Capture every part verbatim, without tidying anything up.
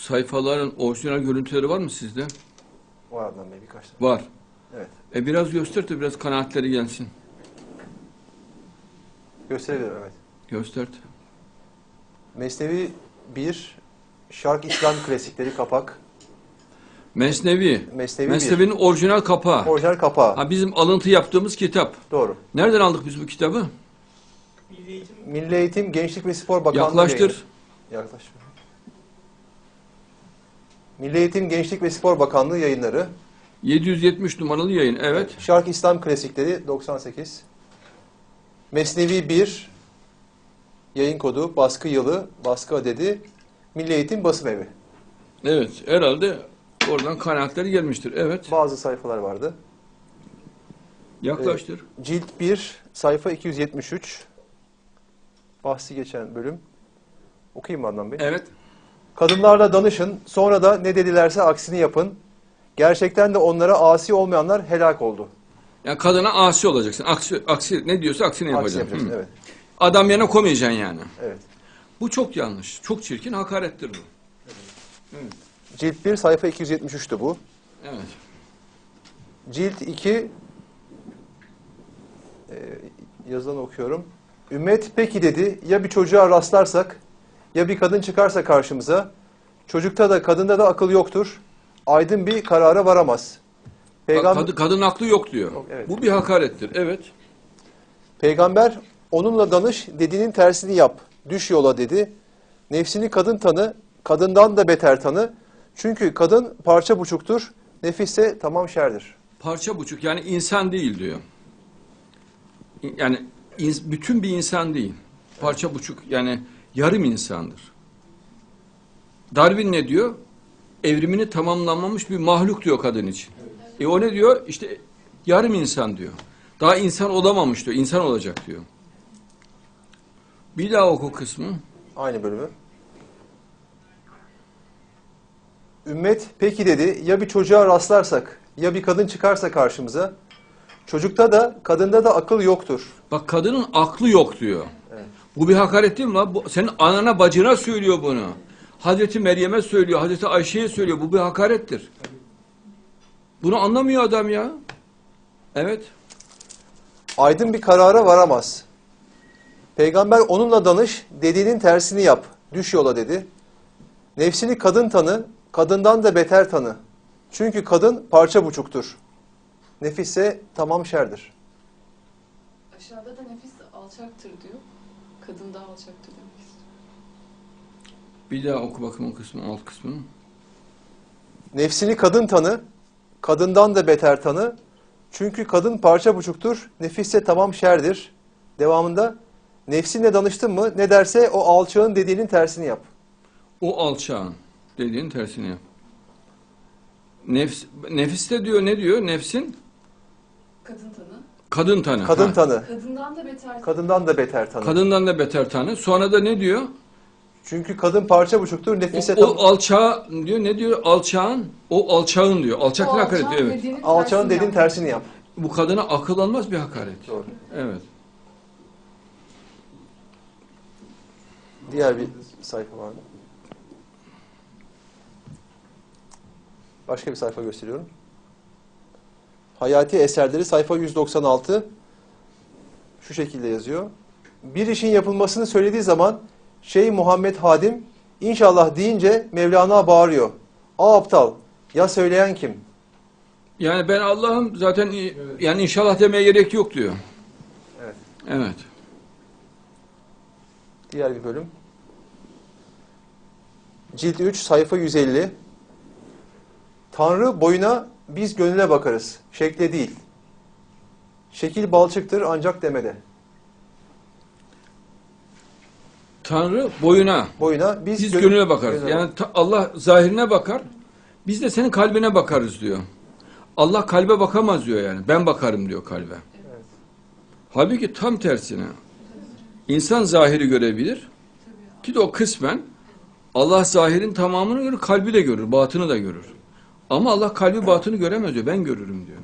sayfaların orijinal görüntüleri var mı sizde? Var Adnan Bey, birkaç tane. Var. Evet. E biraz göster de biraz kanaatleri gelsin. Gösterebilirim, evet. Göstert. Mesnevi bir, Şark İslam Klasikleri kapak. Mesnevi. Mesnevi Mesnevi'nin orijinal kapağı. Orijinal kapağı. Ha, bizim alıntı yaptığımız kitap. Doğru. Nereden aldık biz bu kitabı? Milli Eğitim. Milli Eğitim, Gençlik ve Spor Bakanlığı Yaklaştır. yayını. Yaklaş. Milli Eğitim, Gençlik ve Spor Bakanlığı yayınları. yedi yüz yetmiş numaralı yayın. Evet. Şark İslam Klasikleri doksan sekiz. Mesnevi bir, yayın kodu, baskı yılı, baskı adedi, Milli Eğitim Basım Evi. Evet. Herhalde oradan kanaatleri gelmiştir. Evet. Bazı sayfalar vardı. Yaklaştır. Cilt bir, sayfa iki yüz yetmiş üç. Bahsi geçen bölüm. Okuyayım mı Adnan Bey? Evet. Kadınlarla danışın, sonra da ne dedilerse aksini yapın. Gerçekten de onlara asi olmayanlar helak oldu. Yani kadına asi olacaksın. Aksi, aksi ne diyorsa aksini Aksi yapacaksın. yapacaksın, Hı. evet. Adam yerine koymayacaksın yani. Evet. Bu çok yanlış. Çok çirkin, hakarettir bu. Evet. Cilt bir, sayfa iki yüz yetmiş üç'tü bu. Evet. Cilt iki, e, yazılan okuyorum. Ümmet peki dedi, ya bir çocuğa rastlarsak, ya bir kadın çıkarsa karşımıza, çocukta da kadında da akıl yoktur, aydın bir karara varamaz. Peygam Kadın, kadın aklı yok diyor. Yok, evet. Bu bir hakarettir. Evet. Peygamber onunla danış, dediğinin tersini yap, düş yola dedi. Nefsini kadın tanı, kadından da beter tanı. Çünkü kadın parça buçuktur, nefisse tamam şerdir. Parça buçuk, yani insan değil diyor. Yani ins- bütün bir insan değil. Parça buçuk, yani yarım insandır. Darwin ne diyor? Evrimini tamamlanmamış bir mahluk diyor kadın için. E o ne diyor? İşte yarım insan diyor. Daha insan olamamış diyor. İnsan olacak diyor. Bir daha oku kısmı. Aynı bölümü. Ümmet peki dedi, ya bir çocuğa rastlarsak, ya bir kadın çıkarsa karşımıza, çocukta da kadında da akıl yoktur. Bak, kadının aklı yok diyor. Evet. Bu bir hakaret değil mi lan? Bu, senin anana bacına söylüyor bunu. Hazreti Meryem'e söylüyor, Hazreti Ayşe'ye söylüyor. Bu bir hakarettir. Bunu anlamıyor adam ya. Evet. Aydın bir karara varamaz. Peygamber onunla danış, dediğinin tersini yap, düş yola dedi. Nefsini kadın tanı, kadından da beter tanı. Çünkü kadın parça buçuktur. Nefisse tamam şerdir. Aşağıda da nefis alçaktır diyor. Kadın daha alçaktır demek istiyor. Bir daha oku bakayım o kısmı, alt kısmını. Nefsini kadın tanı, kadından da beter tanı. Çünkü kadın parça buçuktur, nefisse tamam şerdir. Devamında, nefsinle danıştın mı, ne derse o alçağın dediğinin tersini yap. O alçağın dediğin tersini yap. Nefs, nefiste diyor, ne diyor? Nefsin Kadın tanı. kadın tanı. Kadın Ha. tanı, Kadından da beter. kadından da beter tanı. Kadından da beter tanı. Sonra da ne diyor? Çünkü kadın parça buçuktur, O, nefise o tamam. alçağı diyor. Ne diyor? Alçağın. O alçağın diyor. O Alçak ne hakaret alçağın diyor. Evet. dediğinin Alçağın tersini dediğin yap. tersini yap. Bu kadına akıl almaz bir hakaret. Doğru. Evet. Diğer bir sayfa var mı? Başka bir sayfa gösteriyorum. Hayati eserleri sayfa yüz doksan altı. Şu şekilde yazıyor. Bir işin yapılmasını söylediği zaman Şeyh Muhammed Hadim inşallah deyince Mevlana bağırıyor. Aa aptal, ya söyleyen kim? Yani ben Allah'ım zaten, yani inşallah demeye gerek yok diyor. Evet. Evet. Diğer bir bölüm. Cilt üç, sayfa yüz elli. Tanrı boyuna, biz gönüle bakarız. Şekle değil. Şekil balçıktır ancak demede. Tanrı boyuna, Boyuna biz, biz gönü- gönüle bakarız. gönüle Yani ta- Allah zahirine bakar, biz de senin kalbine bakarız diyor. Allah kalbe bakamaz diyor yani. Ben bakarım diyor kalbe. Evet. Halbuki tam tersine. İnsan zahiri görebilir. Ki de o kısmen Allah zahirin tamamını görür, kalbi de görür, batını da görür. Ama Allah kalbi batını göremez diyor. Ben görürüm diyor.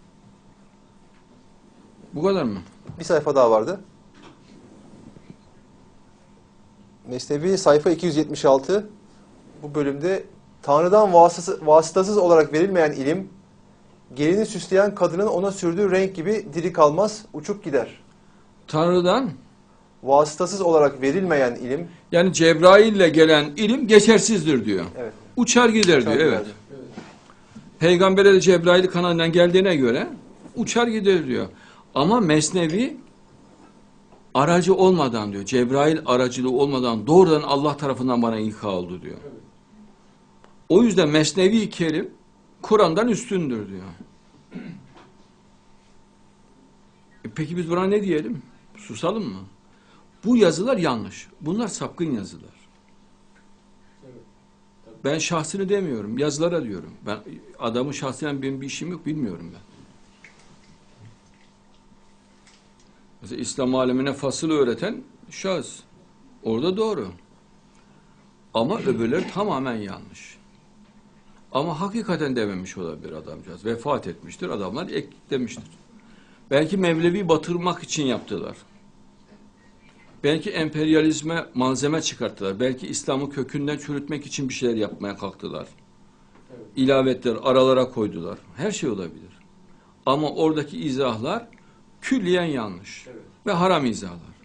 Bu kadar mı? Bir sayfa daha vardı. Mesnevi sayfa iki yüz yetmiş altı. bu bölümde Tanrı'dan vasıtasız, vasıtasız olarak verilmeyen ilim, gelini süsleyen kadının ona sürdüğü renk gibi diri kalmaz, uçup gider. Tanrı'dan, Vasıtasız olarak verilmeyen ilim, yani Cebrail'le gelen ilim geçersizdir diyor. evet, Uçar gider uçar diyor. gider. Evet. Peygamber'e de Cebrail kanalından geldiğine göre uçar gider diyor. Ama Mesnevi aracı olmadan diyor. Cebrail aracılığı olmadan doğrudan Allah tarafından bana ilka oldu diyor. O yüzden Mesnevi Kerim Kur'an'dan üstündür diyor. E peki biz buna ne diyelim? Susalım mı? Bu yazılar yanlış. Bunlar sapkın yazılar. Ben şahsını demiyorum. Yazılara diyorum. Ben adamın şahsıyla benim bir işim yok. Bilmiyorum ben. Mesela İslam alemine fasıl öğreten şahıs. Orada doğru. Ama öbürleri tamamen yanlış. Ama hakikaten dememiş olabilir adamcağız. Vefat etmiştir. Adamlar eklemiştir. Belki Mevlevi batırmak için yaptılar. Belki emperyalizme malzeme çıkarttılar. Belki İslam'ı kökünden çürütmek için bir şeyler yapmaya kalktılar. Evet. İlavetler aralara koydular. Her şey olabilir. Ama oradaki izahlar külliyen yanlış. Evet. Ve haram izahlar.